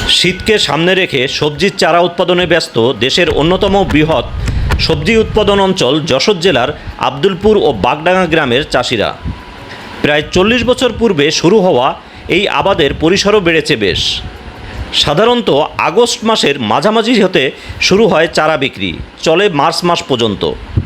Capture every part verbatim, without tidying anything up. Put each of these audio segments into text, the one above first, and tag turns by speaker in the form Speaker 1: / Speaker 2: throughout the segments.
Speaker 1: শীতকে সামনে রেখে সবজির চারা উৎপাদনে ব্যস্ত দেশের অন্যতম বৃহৎ সবজি উৎপাদন অঞ্চল যশোর জেলার আব্দুলপুর ও বাগডাঙ্গা গ্রামের চাষিরা। প্রায় চল্লিশ বছর পূর্বে শুরু হওয়া এই আবাদের পরিসরও বেড়েছে বেশ। সাধারণত আগস্ট মাসের মাঝামাঝি হতে শুরু হয় চারা বিক্রি, চলে মার্চ মাস পর্যন্ত।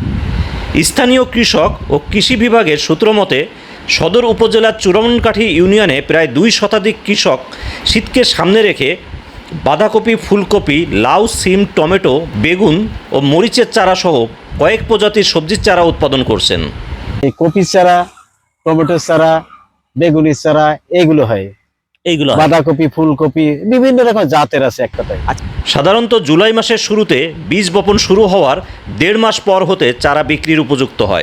Speaker 1: স্থানীয় কৃষক ও কৃষি বিভাগের সূত্রমতে সদর উপজেলার চূড়ামনকাঠি ইউনিয়নে প্রায় দুই শতাধিক কৃষক শীতকে সামনে রেখে বাঁধাকপি, ফুলকপি, লাউ, সিম, টমেটো, বেগুন ও মরিচের চারা সহ কয়েক প্রজাতির সবজির চারা উৎপাদন করছেন।
Speaker 2: এই কপির চারা, টমেটোর চারা, বেগুনের চারা এগুলো হয়। এইগুলো বাঁধাকপি, ফুলকপি বিভিন্ন রকম জাতের আছে এক কথায়।
Speaker 1: সাধারণত জুলাই মাসের শুরুতে বীজ বপন শুরু হওয়ার দেড় মাস পর হতে চারা বিক্রির উপযুক্ত হয়।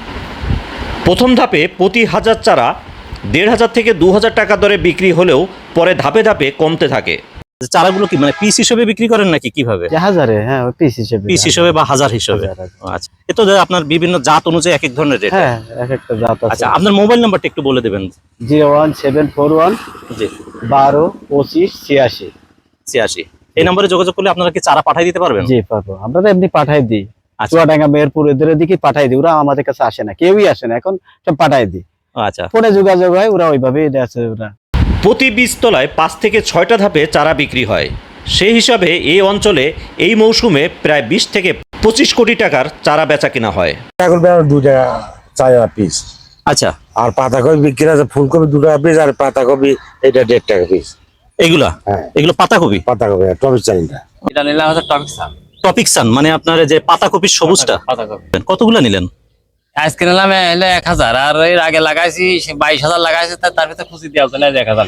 Speaker 1: প্রথম ধাপে প্রতি হাজার চারা দেড় হাজার থেকে দু হাজার টাকা দরে বিক্রি হলেও পরে ধাপে ধাপে কমতে থাকে।
Speaker 3: চারাগুলো কি মানে পিস হিসেবে বিক্রি করেন নাকি কিভাবে?
Speaker 2: হাজারে, হ্যাঁ, পিস হিসেবে
Speaker 3: পিস হিসেবে বা হাজার হিসেবে। আচ্ছা, এতো আপনার বিভিন্ন জাত অনুযায়ী এক এক ধরনের রেট।
Speaker 2: হ্যাঁ, এক একটা জাত আছে।
Speaker 3: আচ্ছা, আপনার মোবাইল নাম্বারটা একটু বলে দেবেন।
Speaker 2: Zero one seven four one
Speaker 3: জি
Speaker 2: বারো পঁচিশ ছিয়াশি
Speaker 3: ছিয়াশি। এই নম্বরে যোগাযোগ করলে আপনারা কি চারা পাঠিয়ে দিতে পারবেন?
Speaker 2: জি পারবো, আমরা তো এমনি পাঠাই দিই। চুয়াডাঙ্গা, মেহেরপুর এদের দিকে পাঠাই দিই, ওরা আমাদের কাছে আসে না, কেউই আসে না, এখন সব পাঠাই দিই।
Speaker 3: আচ্ছা,
Speaker 2: ফোনে যোগাযোগ হয়, ওরা ওইভাবেই আছে। ওরা
Speaker 1: প্রতি বীজতলায় পাঁচ থেকে ছয়টা ধাপে চারা বিক্রি হয়। সেই হিসাবে এই অঞ্চলে এই মৌসুমে প্রায় বিশ থেকে পঁচিশ কোটি টাকার চারা বেচা কিনা হয়।
Speaker 4: দু টাকা চারা পিস।
Speaker 3: আচ্ছা,
Speaker 4: আর পাতাকপি বিক্রি আছে, ফুলকপি দু টাকা পিস, আর পাতাকপি এটা দেড় টাকা পিস।
Speaker 3: এগুলা এগুলো পাতাকপি
Speaker 4: পাতাকপি টপিক চাইনটা
Speaker 5: এটা নিলাম হচ্ছে টপিক সান।
Speaker 3: টপিক সান মানে আপনার যে পাতাকপির সবুজটা।
Speaker 5: পাতাকপি
Speaker 3: কতগুলা নিলেন?
Speaker 5: আজকে নিলাম এলে এক হাজার, আর এর আগে লাগাইছি বাইশ হাজার লাগাইছি, তার ভিতরে খুশি দেওয়া হচ্ছে না এক হাজার।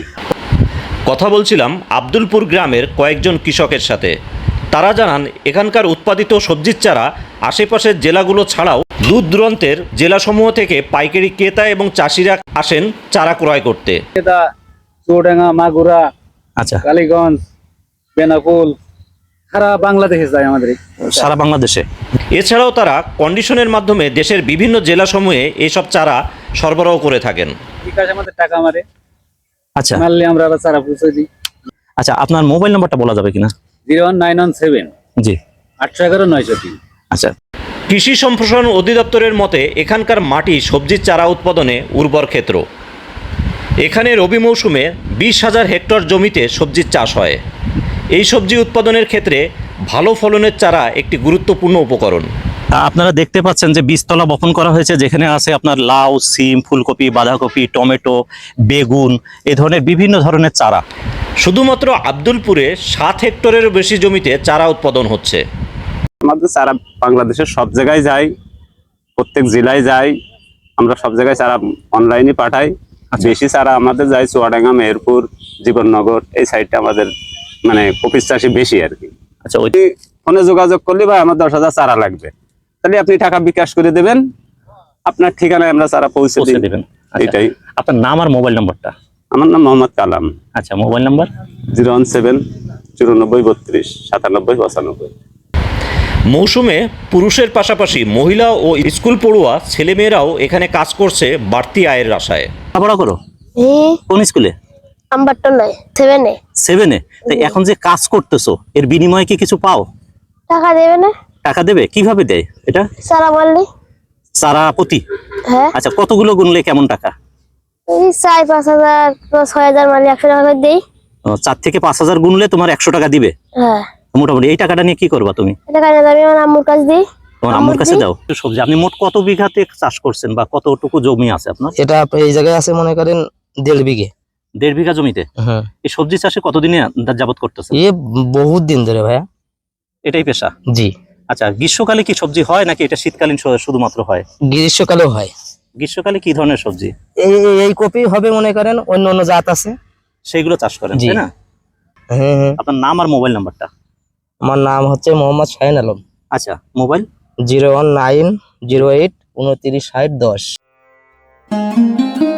Speaker 1: কথা বলছিলাম আব্দুলপুর গ্রামের কয়েকজন কৃষকের সাথে। তারা জানান এখানকার উৎপাদিত সবজির চারা আশেপাশের জেলাগুলো ছাড়াও দূর দূরান্তের জেলাসমূহ থেকে পাইকারি ক্রেতা এবং চাষিরা আসেন চারা ক্রয় করতে।
Speaker 2: চুয়াডাঙ্গা, মাগুরা,
Speaker 3: আচ্ছা,
Speaker 2: কালীগঞ্জ, বেনাপোল, সারা বাংলাদেশে যায় আমাদের,
Speaker 3: সারা বাংলাদেশে।
Speaker 1: এছাড়াও তারা কন্ডিশনের মাধ্যমে দেশের বিভিন্ন জেলাসমূহে এইসব চারা সরবরাহ করে থাকেন।
Speaker 2: বিকাশ আমাদের টাকা মারে।
Speaker 3: আচ্ছা,
Speaker 2: মারলে আমরা আবার চারা পৌঁছে দিই।
Speaker 3: আচ্ছা, আপনার মোবাইল নাম্বারটা বলা যাবে কিনা?
Speaker 2: Zero one nine one seven
Speaker 3: জি
Speaker 2: আটশো এগারো নয়শো তিন।
Speaker 3: আচ্ছা,
Speaker 1: কৃষি সম্প্রসারণ অধিদপ্তরের মতে এখানকার মাটি সবজির চারা উৎপাদনে উর্বর ক্ষেত্র। এখানে রবি মৌসুমে বিশ হাজার হেক্টর জমিতে সবজির চাষ হয়। এই সবজি উৎপাদনের ক্ষেত্রে ভালো ফলনের চারা একটি গুরুত্বপূর্ণ উপকরণ।
Speaker 3: আপনারা দেখতে পাচ্ছেন যে বীজতলা বপন করা হয়েছে, যেখানে আছে আপনার লাউ, সিম, ফুলকপি, বাঁধাকপি, টমেটো, বেগুন, এ ধরনের বিভিন্ন ধরনের চারা।
Speaker 1: শুধুমাত্র আব্দুলপুরে সাত হেক্টরেরও বেশি জমিতে চারা উৎপাদন হচ্ছে।
Speaker 6: আমাদের চারা বাংলাদেশের সব জায়গায় যায়, প্রত্যেক জেলায় যায়, আমরা সব জায়গায় চারা অনলাইনে পাঠাই। বেশি চারা আমাদের যায় চুয়াডাঙ্গা, মেহেরপুর, জীবননগর, এই সাইডটা আমাদের মানে কপিস চাষি বেশি আর কি।
Speaker 3: আচ্ছা, ওই
Speaker 6: ফোনে যোগাযোগ করলে বা আমার দশ হাজার চারা লাগবে, তাহলে আপনি টাকা বিকাশ করে দেবেন, আপনার ঠিকানায় আমরা চারা পৌঁছে দেবেন। এটাই।
Speaker 3: আপনার নাম আর মোবাইল নাম্বারটা?
Speaker 6: আমার নাম মোহাম্মদ কালাম।
Speaker 3: আচ্ছা, mobile number
Speaker 6: zero one seven চুরানব্বই বত্রিশ সাতানব্বই পঁচানব্বই।
Speaker 1: মৌসুমে পুরুষের পাশাপাশি মহিলা ও স্কুল পড়ুয়া ছেলেমেয়েরাও এখানে কাজ করছে বাড়তি আয়ের আশায়।
Speaker 3: পড়া করো কোন স্কুলে?
Speaker 7: নাম্বারটা নাই, সেভেনে।
Speaker 3: সেভেনে। তো এখন যে কাজ করতেছো এর বিনিময়ে কি কিছু পাও?
Speaker 7: টাকা দেবে না?
Speaker 3: টাকা দেবে? কিভাবে দেয় এটা?
Speaker 7: সারা মারলি।
Speaker 3: সারা প্রতি?
Speaker 7: হ্যাঁ।
Speaker 3: আচ্ছা, কতগুলো গুনলে কেমন টাকা?
Speaker 7: এই চার পাঁচ হাজার ছয় হাজার মারলি একশো টাকা করে দেই।
Speaker 3: চার থেকে পাঁচ হাজার গুনলে তোমার একশো টাকা দিবে।
Speaker 7: হ্যাঁ,
Speaker 3: মোটামুটি। এই টাকাটা নিয়ে কি করবা তুমি?
Speaker 7: এটা কাজে আমি আমার আম্মুর কাছে দিই।
Speaker 3: তোমার আম্মুর কাছে দাও। সবজি আপনি মোট কত বিঘাতে চাষ করছেন বা কতটুকু জমি আছে আপনার?
Speaker 8: এটা এই জায়গায় আছে মনে করেন দেড় বিঘে।
Speaker 3: দেড় বিঘা জমিতে? হ্যাঁ। এই সবজি চাষে কতদিনে যাবত করতেছেন?
Speaker 8: এ বহুত দিন ধরে ভাইয়া।
Speaker 3: এটাই পেশা?
Speaker 8: জি।
Speaker 3: আচ্ছা, গ্রীষ্মকালে কি সবজি হয় নাকি এটা শীতকালীন শুধুমাত্র হয়?
Speaker 8: গ্রীষ্মকালেও হয়।
Speaker 3: গ্রীষ্মকালে কি ধরনের সবজি?
Speaker 8: এই এই কপি হবে মনে করেন, অন্য অন্য জাত আছে,
Speaker 3: সেইগুলো চাষ করেন, তাই না?
Speaker 8: হ্যাঁ হ্যাঁ।
Speaker 3: আপনার নাম আর মোবাইল নাম্বারটা?
Speaker 8: আমার নাম হচ্ছে মোহাম্মদ শাহিন আলম।
Speaker 3: আচ্ছা, mobile?
Speaker 8: Zero one nine zero eight উনত্রিশ ষাট দশ।